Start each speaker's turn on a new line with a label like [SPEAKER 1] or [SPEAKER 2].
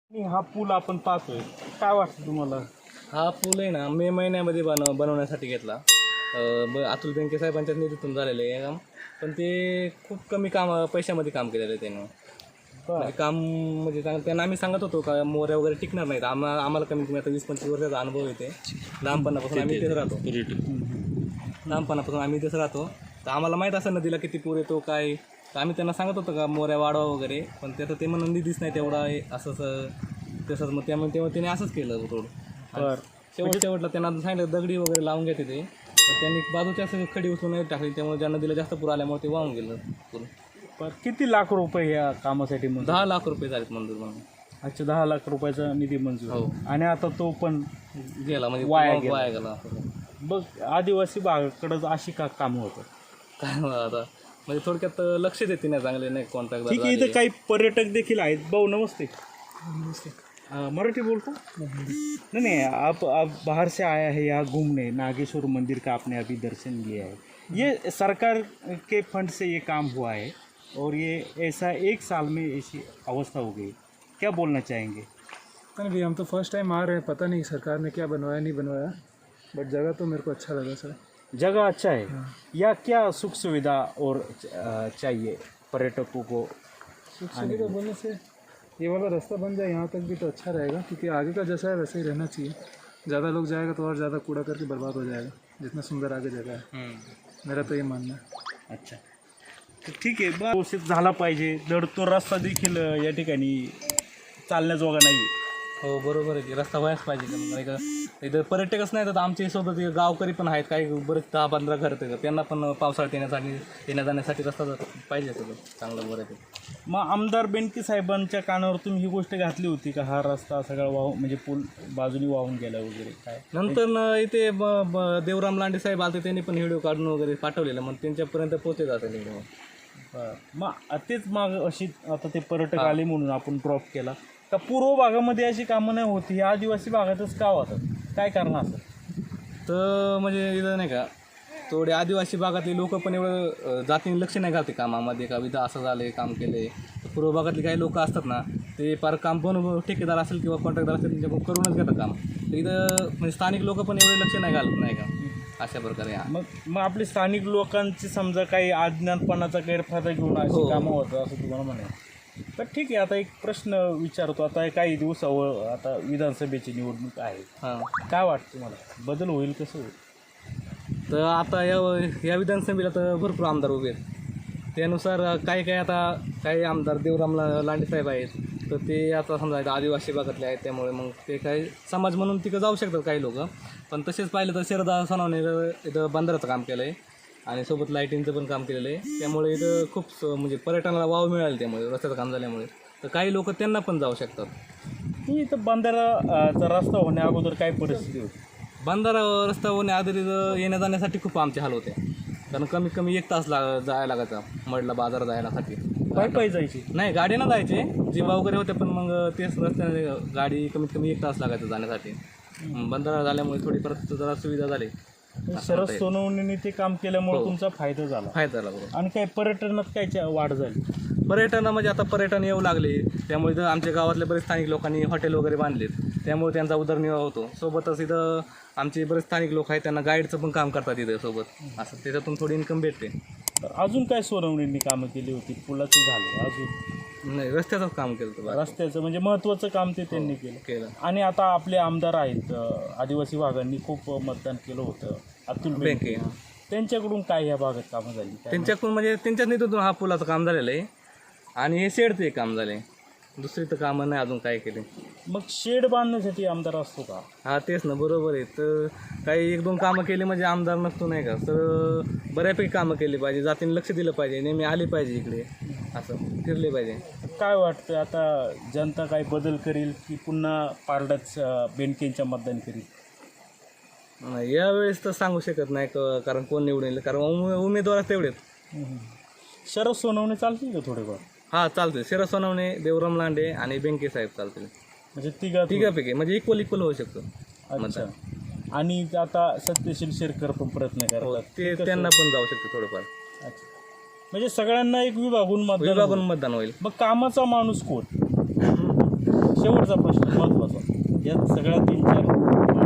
[SPEAKER 1] हा पूल आपण पाहतोय, काय वाटतं तुम्हाला?
[SPEAKER 2] हा पूल आहे ना मे महिन्यामध्ये बनवण्यासाठी घेतला. अतुल बेनके साहेबांच्या निधीतून झालेलं आहे काम. पण ते खूप कमी पैशामध्ये काम केलेलं आहे त्यांनी. म्हणजे काम म्हणजे त्यांना आम्ही सांगत होतो का मोऱ्या वगैरे टिकणार नाहीत. आम्हाला कमीत कमी आता 20-25 वर्षाचा अनुभव येते. लहानपणापासून आम्ही इथेच राहतो. तर आम्हाला माहीत असं नदीला किती पूर येतो काय. तर आम्ही त्यांना सांगत होतो का मोऱ्या वाढवा वगैरे, पण त्याचं ते म्हणून निधीच नाही तेवढा आहे असं तसंच. मग त्यामुळे त्याने असंच केलं रोड. शेवटला त्यांना सांगितलं दगडी वगैरे लावून घेते ते, तर त्यांनी बाजूच्या असं खडी उचलून टाकली. त्यामुळे ज्या नदीला जास्त पूर आल्यामुळे ते वाहून गेलं पूर.
[SPEAKER 1] पण किती लाख रुपये या कामासाठी मंजूर?
[SPEAKER 2] 10 लाख रुपये झालेत मंजूर म्हणून.
[SPEAKER 1] अच्छा, 10 लाख रुपयाचा निधी मंजूर.
[SPEAKER 2] हो.
[SPEAKER 1] आणि आता तो पण
[SPEAKER 2] गेला म्हणजे
[SPEAKER 1] वाया
[SPEAKER 2] गेला.
[SPEAKER 1] बघ, आदिवासी भागाकडं अशी का कामं होतं
[SPEAKER 2] काय आता म्हणजे थोडक्यात लक्ष देते नाही चांगले नाही कॉन्ट्रॅक्ट.
[SPEAKER 1] ठीक आहे. इथं काही पर्यटक देखील आहेत. भाऊ नमस्ते. मराठी बोलतो नहीं नहीं, आप बाहर से आया है यहाँ घूमने, नागेश्वर मंदिर का आपने अभी दर्शन लिया है. ये सरकार के फंड से ये काम हुआ है और ये ऐसा 1 साल में ऐसी अवस्था हो गई, क्या बोलना चाहेंगे?
[SPEAKER 3] नहीं भैया, हम तो फर्स्ट टाइम आ रहे हैं, पता नहीं सरकार ने क्या बनवाया नहीं बनवाया, बट जगह तो मेरे को अच्छा लगा सर.
[SPEAKER 1] जगह अच्छा है. या क्या सुख सुविधा और चाहिए पर्यटकों को?
[SPEAKER 3] सुख सुविधा बोलने से ये वाला रास्ता बन जाए यहाँ तक भी तो अच्छा रहेगा, क्योंकि आगे का जैसा है वैसे ही रहना चाहिए. ज़्यादा लोग जाएगा तो और ज़्यादा कूड़ा करके बर्बाद हो जाएगा, जितना सुंदर आगे जगह है. मेरा तो ये मानना है.
[SPEAKER 1] अच्छा, तर ठीक आहे. व्यवस्थित झाला पाहिजे. तर तो रस्ता देखील या ठिकाणी चालण्याजोगा नाही आहे.
[SPEAKER 2] हो बरोबर आहे की रस्ता व्हायच पाहिजे. नाही का इथं पर्यटकच नाही तर आमच्या सोबत गावकरी पण आहेत, काही बरेच 10-15 घर आहेत. त्यांना पण पावसाळ्यात येण्या जाण्यासाठी रस्ता पाहिजे सगळं चांगलं बरं आहे.
[SPEAKER 1] मग आमदार बेनके साहेबांच्या कानावर तुम्ही ही गोष्ट घातली होती का, हा रस्ता सगळा वाहून म्हणजे पूल बाजूनी वाहून गेला वगैरे काय?
[SPEAKER 2] नंतर इथे देवराम लांडे साहेब आले, त्यांनी पण व्हिडिओ काढून वगैरे पाठवलेलं, मग त्यांच्यापर्यंत पोहोचत असेल व्हिडिओ.
[SPEAKER 1] मग तेच माग अशी आता ते पर्यटक आले म्हणून आपण ड्रॉप केला का? पूर्व भागामध्ये अशी कामं नाही होती, ही आदिवासी भागातच का होतात? काय कारण असं?
[SPEAKER 2] तर म्हणजे इथं नाही का थोडे आदिवासी भागातले लोक पण एवढं जातीने लक्ष नाही घालते कामामध्ये का इथं असं झालं काम केलं आहे. तर पूर्व भागातले काही लोक असतात ना, ते फार काम पण ठेकेदार असेल किंवा कॉन्ट्रॅक्टदार असेल त्यांच्याकडून करूनच घेतात काम. तर इथं म्हणजे स्थानिक लोक पण एवढे लक्ष नाही घालत नाही का अशा प्रकारे.
[SPEAKER 1] मग आपले स्थानिक लोकांची समजा काही अज्ञानपणाचा गैरफायदा घेऊन अशी कामं होतं असं तुम्हाला म्हणायचं. तर ठीक आहे. आता एक प्रश्न विचारतो. आता काही दिवसावर आता विधानसभेची निवडणूक आहे. काय वाटतं तुम्हाला, बदल होईल कसं होईल?
[SPEAKER 2] तर आता या विधानसभेला तर भरपूर आमदार उभे आहेत. त्यानुसार काही आमदार देवराम लांडे साहेब आहेत, तर ते आता समजा आदिवासी भागातले आहेत, त्यामुळे मग ते काही समाज म्हणून तिकडं जाऊ शकतात काही लोक. पण तसेच पाहिलं तर शरदा सोनवणे इथं बंदराचं काम केलं आहे आणि सोबत लाईटिंगचं पण काम केलेलं आहे. त्यामुळे इथं खूप म्हणजे पर्यटनाला वाव मिळाला त्यामुळे रस्त्याचं काम झाल्यामुळे. तर काही लोक त्यांना पण जाऊ शकतात.
[SPEAKER 1] इथं बंदराचा रस्ता होण्या अगोदर काय परिस्थिती होती?
[SPEAKER 2] बंधारा रस्ता होण्या आधी येण्या जाण्यासाठी खूप आमचे हाल होते. कारण कमीत कमी 1 तास जायला लागायचा मडला बाजार जायसाठी.
[SPEAKER 1] पायी जायची
[SPEAKER 2] नाही, गाडीनं जायचे जीवा वगैरे होते, पण मग तेच रस्त्याने गाडी कमीत कमी 1 तास लागायचं जाण्यासाठी. बंधारा झाल्यामुळे थोडी परत जरा सुविधा झाली.
[SPEAKER 1] शरद सोनवणेंनी ते काम केल्यामुळे तुमचा फायदा झाला.
[SPEAKER 2] बरोबर.
[SPEAKER 1] आणि काय पर्यटनात काय वाढ झाली?
[SPEAKER 2] पर्यटन म्हणजे आता पर्यटन येऊ लागले, त्यामुळे इथं आमच्या गावातल्या बरेच स्थानिक लोकांनी हॉटेल वगैरे बांधलेत, त्यामुळे त्यांचा उदरनिर्वाह होतो. सोबतच इथं आमचे बरेच स्थानिक लोक आहेत, त्यांना गाईडचं पण काम करतात इथं सोबत. असं त्याच्यातून थोडी इन्कम भेटते.
[SPEAKER 1] तर अजून काय सोनवणेंनी कामं केली होती? पुलाचं झालं, अजून
[SPEAKER 2] नाही रस्त्याचंच काम केलं होतं.
[SPEAKER 1] रस्त्याचं म्हणजे महत्त्वाचं काम ते त्यांनी केलं. आणि आता आपले आमदार आहेत, आदिवासी भागांनी खूप मतदान केलं होतं, अतुल बेनके. त्यांच्याकडून काय या भागात कामं झाली?
[SPEAKER 2] त्यांच्याकडून म्हणजे त्यांच्याच नेतृत्वातून हा पुलाचं काम झालेलं आहे आणि हे शेडचं एक काम झालं आहे. दुसरी तर कामं नाही अजून काय केले.
[SPEAKER 1] मग शेड बांधण्यासाठी आमदार असतो का?
[SPEAKER 2] हा तेच ना, बरोबर आहे. तर काही 1-2 कामं केली म्हणजे आमदार नसतो नाही का. तर बऱ्यापैकी कामं केली पाहिजे, जातीने लक्ष दिलं पाहिजे, नेहमी आले पाहिजे इकडे, असं फिरले पाहिजे.
[SPEAKER 1] काय वाटतं आता जनता काय बदल करेल की पुन्हा पारडच बेनकेंच्या मतदान करेल?
[SPEAKER 2] यावेळेस तर सांगू शकत नाही कारण कोण निवडून येईल, कारण उमेदवार तेवढेच.
[SPEAKER 1] शरद सोनवणे चालतील का थोडेफार?
[SPEAKER 2] हां चालते. शरद सोनवणे, देवराम लांडे आणि बेनके साहेब चालतील.
[SPEAKER 1] म्हणजे
[SPEAKER 2] तिघापैकी म्हणजे इक्वल होऊ शकतो.
[SPEAKER 1] अच्छा. आणि आता सत्यशील शेरकर पण प्रयत्न करतात,
[SPEAKER 2] ते त्यांना पण जाऊ शकते थोडंफार.
[SPEAKER 1] अच्छा. म्हणजे सगळ्यांना एक विभागून मतदान
[SPEAKER 2] मतदान होईल.
[SPEAKER 1] मग कामाचा माणूस कोण?
[SPEAKER 4] शेवटचा प्रश्न महत्त्वाचा, यात सगळ्या 3-4